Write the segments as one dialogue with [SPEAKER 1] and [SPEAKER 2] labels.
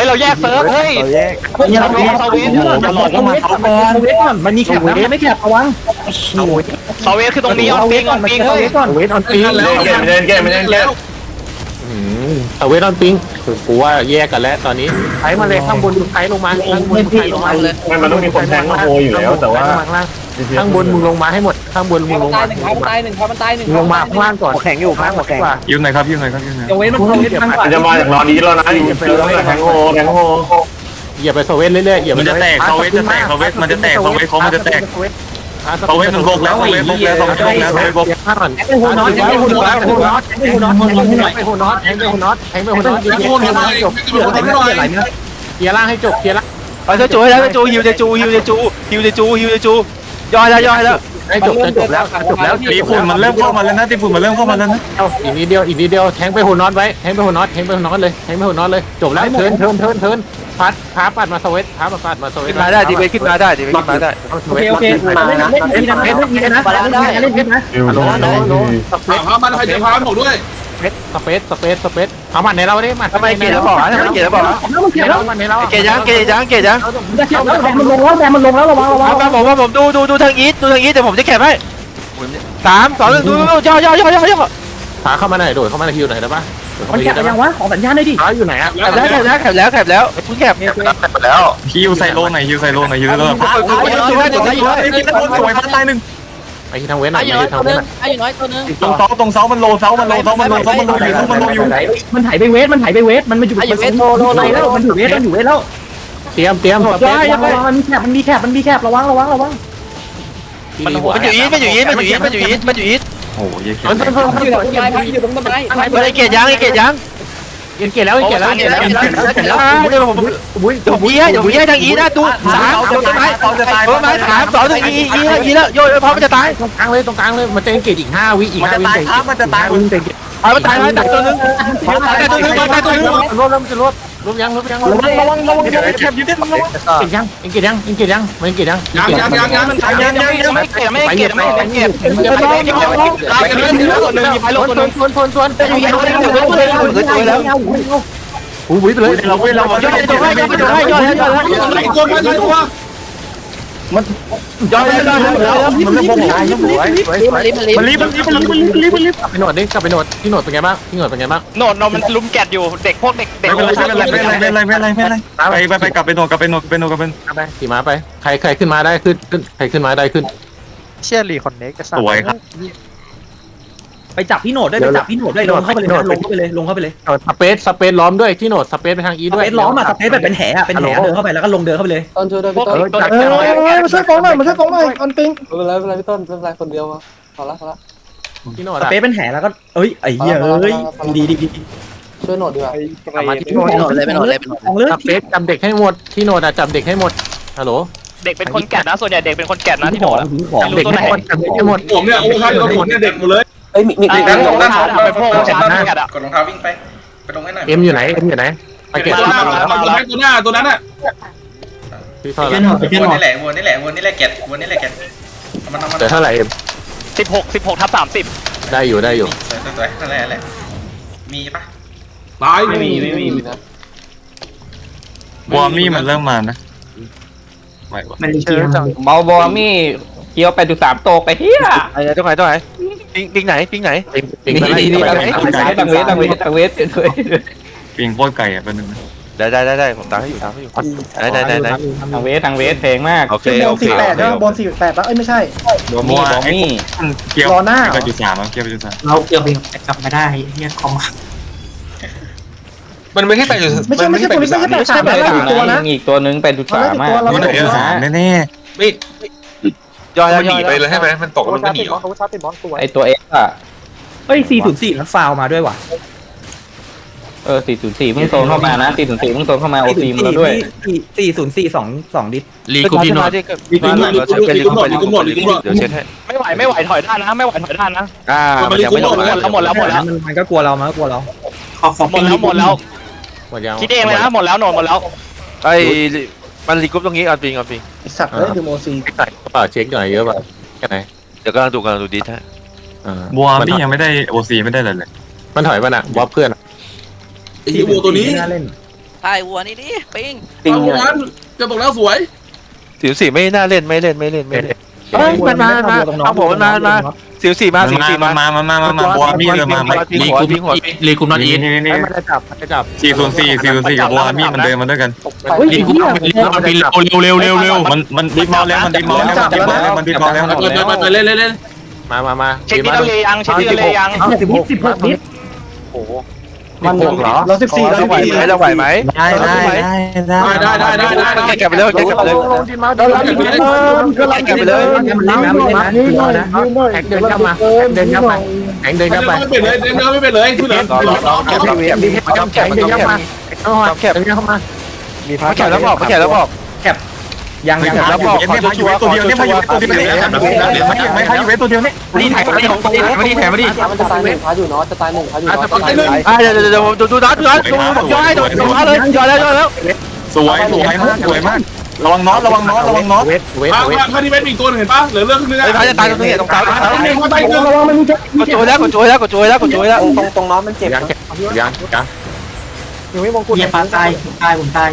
[SPEAKER 1] เราแยกเซิร์ฟเฮ้ยเราลงเซเว่นอย่าหลอกลงมาเขาก่อนมันมีแคปนะไม่แคประวังเซเว่นคือตรงนี้ออนปิงเฮ้ยเวทออนปิง
[SPEAKER 2] เล่นเกมเล่นเกมเล่นเกม
[SPEAKER 3] เวทออนปิงกูว่าแยกกันแล้วตอนนี้ไถมาเลยข้างบนไถลงมาข้างบนไถลงมาเลย
[SPEAKER 2] มันต้องมีคนแทงโฮอยู่แล้วแต่ว่า
[SPEAKER 3] ข้างบนมึงลงมาให้หมดข้างบนมึงลงมา
[SPEAKER 4] ตายหนึ่งมันตายหนึ่ง
[SPEAKER 3] ลงมาข้างล่างก่อนแข็งอยู่ข้างหัวแข็ง
[SPEAKER 5] ยืมหน่อยครับยืมหน่อยครับยืมหน่อย
[SPEAKER 4] เว้นมัน
[SPEAKER 2] จะมาจากนอนนี้แล้วนะเจอแทงโฮ
[SPEAKER 3] อย่าไปโซเว่นเรื่อยๆอย่า
[SPEAKER 5] มันจะแตกเขาเวทจะแตกเขาเวทมันจะแตกเขาเวทเขามันจะแตกเขาเวทมันโบกแล้วเขาเวทโบกแล้วเขาเวทโบกแล้วเขาเวทโบก
[SPEAKER 3] ไปโหนอตไปโหนอตไปโหนอตไปโหนอตไปโหนอตไปโหนอตไปโหนอตไปโหนอตจบเคลียร์ล่างให้จบเคลียร์ล่าง
[SPEAKER 1] เอาจะจูให้แล้วจะจูฮิวจะจูย่อยแล้ว
[SPEAKER 3] ให้จบแล้ว
[SPEAKER 5] ตีฝุ่นมันเริ่มเข้ามาแล้วนะตีฝุ่นมันเริ่มเข้ามาแล้วนะ
[SPEAKER 3] อีกนิดเดียวแทงไปโหนอตไว้แทงไปโหนอตเลยแทงไปโหนอตเลยจบแล้วเทินพัดพาปัดมาสวิตพาปัดมาสวิต
[SPEAKER 1] ขึ้นมาได้ดีเวขึ้นมาได้
[SPEAKER 4] โอเคมาเล่นนะเล่นนะเล่นนะ
[SPEAKER 3] โล
[SPEAKER 6] พามันให้เดี๋ยวพามันบอกด้วย
[SPEAKER 3] สเปซเอามันในเราได้มา
[SPEAKER 1] ทำไมเกลียดแล้วบอก
[SPEAKER 3] มันในเรา
[SPEAKER 1] เกลียดยัง
[SPEAKER 4] แดงมันลงแล้วระวัง
[SPEAKER 1] ว่าผมดูทางอีทแต่ผมจะแคปให้3 2 1ดูย่อ
[SPEAKER 3] ขาเข้ามาหน่อยโดดเข้ามาในคิวหน่อยได้ปะ
[SPEAKER 4] มันแคปยังวะของสัญญาณด้วยดิ
[SPEAKER 3] ขาอยู่ไหนอ่ะ
[SPEAKER 1] แคปแล้วคุณแคป
[SPEAKER 2] แล้ว
[SPEAKER 5] ฮิวใส่โลหน่อยฮิวใส่โลหน่อยฮิวเลยสวยพันตายหนึ่ง
[SPEAKER 3] ไอ้ที่ทางเว้นอ่ะทางเว้นอ่ะ
[SPEAKER 4] ไอ้อย่างน้อยตัวนึง
[SPEAKER 5] ตรงเสามันโลอยู่มัน
[SPEAKER 4] ถ่ายไปเวทมันมาอยู่มันอยู่เวทแล้วมันอยู่เวทแล้ว
[SPEAKER 3] เตรียม
[SPEAKER 4] มันมีแคประวัง
[SPEAKER 1] มันอยู่อีท
[SPEAKER 5] โอ้ยเ
[SPEAKER 4] มันอยู่ตรงต้นไม้
[SPEAKER 1] ไอ้เกลียดยัง
[SPEAKER 3] เกลียดแล้ว
[SPEAKER 1] เดี๋ยวผมย้ายทางอีนะดู3ต้นไม้3 2 1อีแล้วโยพร้อมมันจะตาย
[SPEAKER 3] ตรงกลางเลยมันจะเกลียดอีก5 วิ
[SPEAKER 5] มันจะตายครับมันจะตาย
[SPEAKER 1] มันตายตัวนึง
[SPEAKER 3] รวมยัง
[SPEAKER 4] ระวัง
[SPEAKER 5] แคบยืดเด็ดมันระวัง
[SPEAKER 3] เกลียดยังมันเกลียดยัง
[SPEAKER 6] ยังไม่เกลียดไม่เกลียดไม่เกลียด
[SPEAKER 1] ตัวนึงมีไฟลงตัวนึงแล้ว
[SPEAKER 3] อุ้ยไปเลย
[SPEAKER 1] เราย่อยมันย่อย
[SPEAKER 3] มันเริ่มโมโห
[SPEAKER 1] มันรีบ
[SPEAKER 3] กลับไปโหนดดิกลับไปโหนดที่โหนดเป็นไงบ้างที่โหนดเป็นไงบ้าง
[SPEAKER 1] โหนดมันลุมแกดอยู่เด็กพวกเด็ก
[SPEAKER 5] ไม่ไปกลับไปโหนด
[SPEAKER 3] ไปขี่ม้าไปใครขึ้นมาได้ขึ้นใครขึ้นมาได้ขึ้น
[SPEAKER 1] เชี่ยรีคอนเน็กจะ
[SPEAKER 5] สวยครับ
[SPEAKER 4] ไปจับพี่โหนดด้วยลงเข้าไปเลย
[SPEAKER 3] สเปซล้อมด้วยที่โหนดสเปซไปทางอีด้วย
[SPEAKER 4] ล้อมอ่ะสเปซแบบเป็นแหเดินเข้าไปแล้วก็ลงเดินเข้าไปเลย
[SPEAKER 7] ต้นช่วยด้วยพี่ต้น
[SPEAKER 4] มาช่วยฟ้องหน่อยออนปิง
[SPEAKER 7] ไม่เป็นไรพี่ต้นไม่เป็นไรคนเดียวพอละ
[SPEAKER 3] ที่โหนด
[SPEAKER 4] สเปซเป็นแหแล้วก็ไอ้เหี้ยดี
[SPEAKER 7] ช่วยโหนดดีกว่า
[SPEAKER 3] มาที่โหนดเลยสเปซจำเด็กให้หมดที่โหนดอ่ะจำเด็กให้หมดฮัลโหล
[SPEAKER 1] เด็กเป็นคนแกะนะส่วนใหญ่เด็กเป็นคนแกะนะที่โหนด
[SPEAKER 3] เด็กให้หมด
[SPEAKER 6] ผมเนี่ยโอ้ยผมเนี่ยเด็กหมดเลย
[SPEAKER 7] เอ้ยมี
[SPEAKER 1] ด้านเป็นพวกชาร์จแกะอ่ะ
[SPEAKER 2] กดรองเท้าวิ่งไปตรงให้หน่อย
[SPEAKER 3] เอ็มอยู่ไหนไปเก็บ
[SPEAKER 6] ตัวหน้าตัวนั้นอ่ะ
[SPEAKER 3] ที่เท่าไหร่
[SPEAKER 2] วนนี่แหละเก็บวนนี่แหละเก็บมัน
[SPEAKER 3] เท่าไหร่เอ็ม
[SPEAKER 1] 16/30
[SPEAKER 3] ได้อยู่
[SPEAKER 2] สวยนั่นแหละมีปะ
[SPEAKER 6] ตาย
[SPEAKER 7] ไม่มีนะ
[SPEAKER 5] วอร์มี่มันเริ่มมานะ
[SPEAKER 4] มันเชื่อจัง
[SPEAKER 7] เบาบอมี่เกี่ยว8.3โตไปเฮีย
[SPEAKER 1] อะไรตรงไหนปิงไหน
[SPEAKER 3] ปิง
[SPEAKER 7] ดังเวท
[SPEAKER 5] ปิงโคตรไก่อ่ะเป็นหนึ่ง
[SPEAKER 1] ได้ผมตามให้อยู่ได้
[SPEAKER 7] ทางเวทเพลงมาก
[SPEAKER 1] โอเค
[SPEAKER 4] 48บอล48แล้วไม่ใช่
[SPEAKER 5] บอมี่เกี่ยว8.3เกี่ยว8.3
[SPEAKER 4] เราเกี่ยวกลับมาได้เฮียคอม
[SPEAKER 6] มันไม่ใช่8.3
[SPEAKER 4] ไม่ใช่ตัวนี้ไม่ใช่8.3ตัวนะ
[SPEAKER 7] อีกตัวนึง8.3มาก
[SPEAKER 5] แน่
[SPEAKER 6] ไม่ย่อยหนีไปเลยใช่ไหมมันตกมันก็หนีเหรอ
[SPEAKER 7] ไอตัวเอ็กซ์อ่ะ
[SPEAKER 4] เฮ้ย404นั้นฟาวมาด้วยว่ะ
[SPEAKER 7] 404เพิ่งโซนเข้ามานะ404เพิ่งโซนเข้ามาโอซีมาแล้วด้วย
[SPEAKER 4] 404 2ดิส
[SPEAKER 3] ลีกูพี่โนด
[SPEAKER 6] ลีกุมหมด
[SPEAKER 1] เดี๋ยวเช็ดให้ไม่ไหวถอยด้านนะ
[SPEAKER 6] มันยังไม่ลง
[SPEAKER 1] หมดแล้ว
[SPEAKER 4] มันก็กลัวเราหมด
[SPEAKER 1] แล้วคิดเองเลยนะหมดแล้วไอ้มันรีกรุ๊ปตรงนี้ออนปิง
[SPEAKER 4] สัตว์เลยดูโมซี
[SPEAKER 3] เช็คหน่อยเยอะป่ะแค่ไหน
[SPEAKER 1] เดี๋ยวกำลังดูดิท่า
[SPEAKER 5] บัวมี่ยังไม่ได้โอซีไม่ได้เลย
[SPEAKER 3] มันถอยป่ะน่ะบอสเพื่อน
[SPEAKER 6] ไอ้วัวตัวนี้
[SPEAKER 8] ถ่ายวัวนี่ดิปิง
[SPEAKER 7] ติง
[SPEAKER 9] เอางั้นจะตกแล้วสวย
[SPEAKER 6] 14ไม่น่าเล่นไม่เล่น
[SPEAKER 3] เฮ้ยมันมาเอาผมมันมา14มา14มา
[SPEAKER 5] มาบัวมีเลยมารีคุมนอตอีท
[SPEAKER 3] นี่มันจะจับจับ
[SPEAKER 5] 404กับบัวมีมันเดินมาด้วยกัน
[SPEAKER 3] รีคุมเร็ว
[SPEAKER 5] มันดิฟมอลแล้วมันดิฟมอลแล้วมันดิฟมอลแล้ว
[SPEAKER 9] เล่น
[SPEAKER 3] มา
[SPEAKER 4] เช็คที่ทะเลยังเช็คที่ทะเลยัง
[SPEAKER 1] 16นิด
[SPEAKER 3] มันเหรอ
[SPEAKER 1] เรา14เราไหวไหม
[SPEAKER 3] ได้
[SPEAKER 6] แกะไปเลยแกะไปเลย
[SPEAKER 1] เราเก็บไปเลยมัน
[SPEAKER 3] แข่งเดินเข้ามาเดินเข้าไปแข่งเดินเข้าไป
[SPEAKER 9] ไม่เป็นเลยไม่เป็นเลยที่เหลือ
[SPEAKER 3] แข่งเดินเข้ามาเดินเข้ามา
[SPEAKER 1] มีพักแข่งแล้วบอกยัง
[SPEAKER 6] แล้วบอกขอชัวร์ตัวเดียวเนี่ยพายุตัวเดียวไม่พายุเวทตัวเดียวเนี่ย
[SPEAKER 4] นี่ถ่ายของตัวเองมาดิถ่ายมาดิ
[SPEAKER 1] มันจะตาย1พาอยู่เนาะจะตาย1พาอยู่เนาะ
[SPEAKER 3] เดี๋ยวดูนัดย้อยเลยย้อยแล้ว
[SPEAKER 5] สวยมากระวังน็อต
[SPEAKER 3] เวท
[SPEAKER 9] ถ้าที่เวทมีตัวเห็นปะเหลือเรื่องนึง
[SPEAKER 3] ไอ้พายจะตายตรงนี้ตรงกลาง
[SPEAKER 9] ตายเกิน
[SPEAKER 1] ระวังมันมีเจ็บ
[SPEAKER 3] กดโจยแล้ว
[SPEAKER 1] ตรงน้องมันเจ็บ
[SPEAKER 3] ยัง
[SPEAKER 1] ยังไม่มงกุฎ
[SPEAKER 4] เหยียบปลาตายผมตาย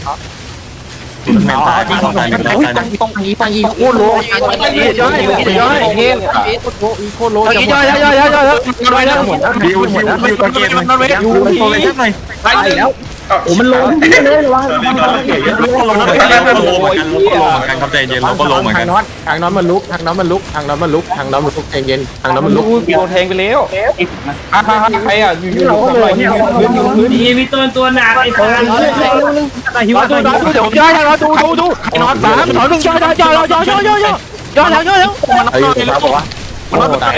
[SPEAKER 3] ต้องยีโคตรโลย้อยเฮ้ยโคตรโลย้อยแล้ว
[SPEAKER 5] ดิวตัวเกมมันเวทอยู่เลยสักหน่อย
[SPEAKER 9] ตายแล้ว
[SPEAKER 1] โอ้มันลงเลยระวัง
[SPEAKER 5] ครับใจเย็นเราก็ลงเหมือนกัน
[SPEAKER 3] ทางน้องมันลุกใจเย็นทางน้องมันลุก
[SPEAKER 7] โดนแทงไปแล้วใครอ่ะอยู่
[SPEAKER 1] เราก็เลยเนี่ย
[SPEAKER 4] มีตัวหนักไอ้คน
[SPEAKER 3] หิวดูเดี๋ยวผมย้อยแล้วดูนอน3 2 1ย้อยแล้วมันตาย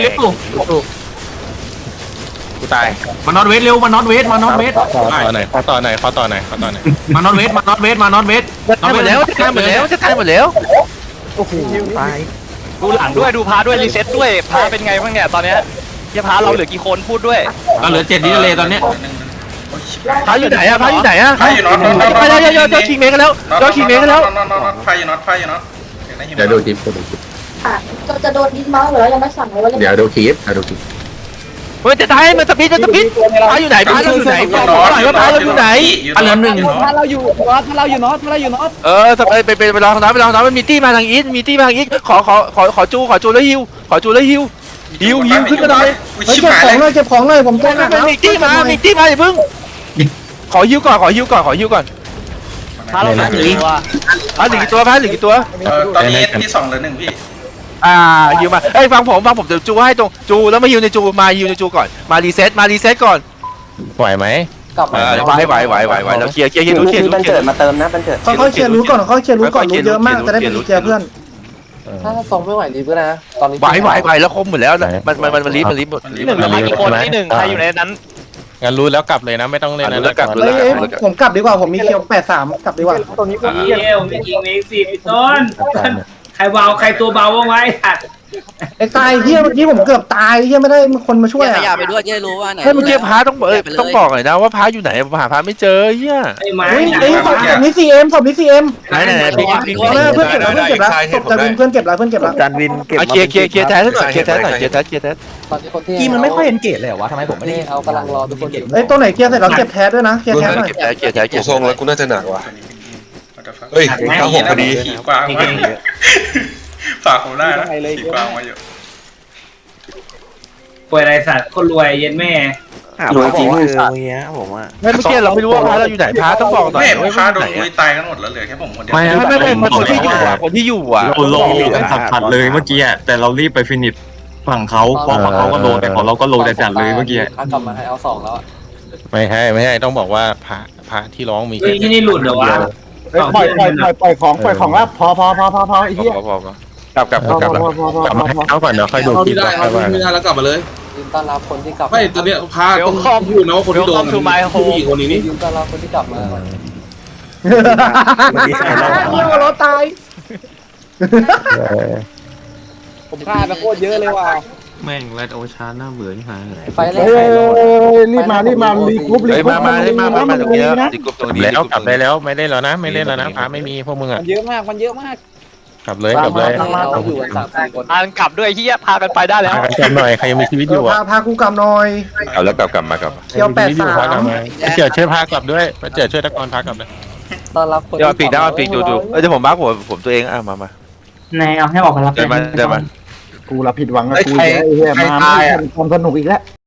[SPEAKER 3] กูตาย
[SPEAKER 4] มันนอนเวทเร็วมันนอนเวท
[SPEAKER 3] ขอต่อหน่อย
[SPEAKER 4] มันนอนเวทจะตายหมดแล้ว
[SPEAKER 1] โอ้โหตาย
[SPEAKER 4] ดูหลังด้วยดูพาด้วยรีเซ็ตด้วยพาเป็นไงบ้างเนี่ยตอนเนี้ยจะพาเราเหลือกี่คนพูดด้วยเราเหลือ7ที่ทะเลตอนเนี้ย
[SPEAKER 3] พาอยู่ไหนอะพาอยู่น็อต
[SPEAKER 2] พา
[SPEAKER 3] คิงเมกันแล้วพาอยู่น็อต
[SPEAKER 6] เดี๋ยวดูคลิป
[SPEAKER 10] จะโดนดิสมาเหรอยังไม่สั่งเลยว่า
[SPEAKER 6] เดี๋ยวดูคลิป
[SPEAKER 3] มันจะตายมันสปีดพาอยู่ไหนพาเราอยู่ไหนบอกหน่อยว่าพาเราอยู่ไหน
[SPEAKER 4] เหลือ1
[SPEAKER 1] ถ้าเราอยู่น็อต
[SPEAKER 3] ไปลองน้ำมันมีตี้มาทางอีทขอจูแล้วฮิวขึ้นมาหน่อย
[SPEAKER 2] ชิบหายเลย
[SPEAKER 1] เก็บของเลยผมแจ้งนะ
[SPEAKER 3] มีตี้มาอย่าเพิ่งขอฮิวก่อน
[SPEAKER 4] พาเราหนีว่ะ
[SPEAKER 3] พาหนึ่งตัว
[SPEAKER 2] ตอนนี้ที่2เหลือ1พี่
[SPEAKER 3] ฮิวมาเอ้ยฟังผมเดี๋ยวจูให้ตรงจูแล้วมาฮิวในจูมาฮิวในจูก่อนมารีเซ็ตก่อนไหวไหม
[SPEAKER 1] กลับมา
[SPEAKER 3] ไหวเราเคลียร์ดูเคลียร์
[SPEAKER 1] มันเกิดมาเติมนะมันเกิดเขาเคลียร์รู้ก่อนรู้เยอะมากจะได้ไปเคลียร์เพื่อนถ้าส่งไม่ไหวรีบก็นะตอนนี้
[SPEAKER 3] ไหวแล้วคมหมดแล้วมันรีบหมด
[SPEAKER 4] ที่1เหลือกี่คนที่1ใครอยู่ในนั้น
[SPEAKER 3] งั้นรู้แล้วกลับเลยนะไม่ต้องเล่นนะกลับเลย
[SPEAKER 1] ผมกลับดีกว่าผมมีเคียว83กลับดีกว่าตรงนี้ผม
[SPEAKER 4] มีจริงมี4ต้นใครเบาใครตัวเบาบ้างไว้ถัด
[SPEAKER 1] ไอ้ตายเฮียเมื่อกี้ผมเกือบตายเฮียไม่ได้คนมาช่วย
[SPEAKER 8] ข
[SPEAKER 1] อ่ะ
[SPEAKER 8] ยับไปด้วยจะได้รู้ว่าไหน
[SPEAKER 3] เมื่อกี้พาต้องบอกหน่อยนะว่าพาอยู่ไหนหาพาไม่เจอเฮีย
[SPEAKER 4] ไอ้ไม้
[SPEAKER 1] ไอ้ศพนี้ CM ศพนี้ CM
[SPEAKER 3] ไหน
[SPEAKER 1] เพื่อนเก็บแล้วศพจะวินเพื่อนเก็บแล้วจานวินเก็บ
[SPEAKER 3] เคลียร์แท้หน่อย
[SPEAKER 1] ตอนนี้คนที่
[SPEAKER 4] กี้มันไม่ค่อยเห็นเกตเลยเหรอวะทำไมผมไม่ได้
[SPEAKER 1] เอากำลังรอทุกคนเอ้ยตัวไหนเคลียร์เสร็จแล้วเก็บแท้ด้วยนะเคลียร์แท้หน่อย
[SPEAKER 6] กูทรงแล้วกูน่าจะหนักว่ะเฮ้ย96พอดี
[SPEAKER 2] ขี่กวางฝากผมได้นะขี่กวางมาอยู่
[SPEAKER 4] ป่วยไรสัตว์คนรวยเย็นแม่
[SPEAKER 1] รวยจริงคือ
[SPEAKER 3] เมื่อกี้เราไม่รู้ว่าพาเราอยู่ไหนพาต้องบอกหน่อย
[SPEAKER 2] ไม่พาโดนลุยตายกันหมดแล้วเหลือแค่ผมคนเดียว
[SPEAKER 3] ไม่คนที่อยู่อ่ะ
[SPEAKER 5] เราลงผัดเลยเมื่อกี้แต่เรารีบไปฟินิชฝั่งเขาพอฝั่งเขาก็โดนแต่ของเราก็โดนจัดเลยเมื่อกี้
[SPEAKER 1] กลับมาให้เอา2แล้ว
[SPEAKER 3] ไม่ใช่ต้องบอกว่าพระที่ร้องมี
[SPEAKER 4] ที่นี่หลุดเหรอวะ
[SPEAKER 1] ปล่อยของแล้วพอไอ้เหี้ย
[SPEAKER 3] พอกลับมาให้เขาก่อนเดี๋ยวค่อยดูคลิป
[SPEAKER 9] ไม่ได้แล้วกลับมาเลย
[SPEAKER 1] ยินต้อนรับคนที่กลับ
[SPEAKER 9] ไม่ตอนนี้พาต้องพูดนะว่าคนที่โดนผู้หญิงคนนี้นี่
[SPEAKER 1] ยินต้อนรับคนที่กลับมาเหี้ยรถตายผมฆ่าไปโคตรเยอะเลยว่ะ
[SPEAKER 5] แม่งแรดโอชาหน้าเบื่อนี่ฮะ
[SPEAKER 1] ไฟแรกรีบมารีกรุ๊ปมาตรงนี้นะ
[SPEAKER 3] แล้วกลับได้แล้วไม่เล่นแล้วนะพาไม่มีพวกมึงอ่ะ
[SPEAKER 1] มันเยอะมาก
[SPEAKER 3] กลับเลยกลับเลย
[SPEAKER 9] อยู่กัน3-4 คน
[SPEAKER 4] พากันกลับด้วยเฮียพากันไปได้แล้ว
[SPEAKER 3] พากันกลับหน่อยใครยังมีชีวิตอยู่อ่ะ
[SPEAKER 6] พากูกลับหน่อย
[SPEAKER 5] เอาแล้วกลับมา
[SPEAKER 6] เคียว83
[SPEAKER 3] พากลับมาเจิดช่วยพากลับด้วยเจิดช่วยตะกอนพากลับเลย
[SPEAKER 9] ต้อนรับคน
[SPEAKER 5] เดี๋ยวปีกได้มาปีกดูเดี๋ยวผมบักผมตัวเองมา
[SPEAKER 1] นายเอาให้ออกมารับ
[SPEAKER 5] เดินมา
[SPEAKER 6] กูละผิดหวังกับกูไอ้เหี้ยมาไม่ทำสนุกอีกแล้ว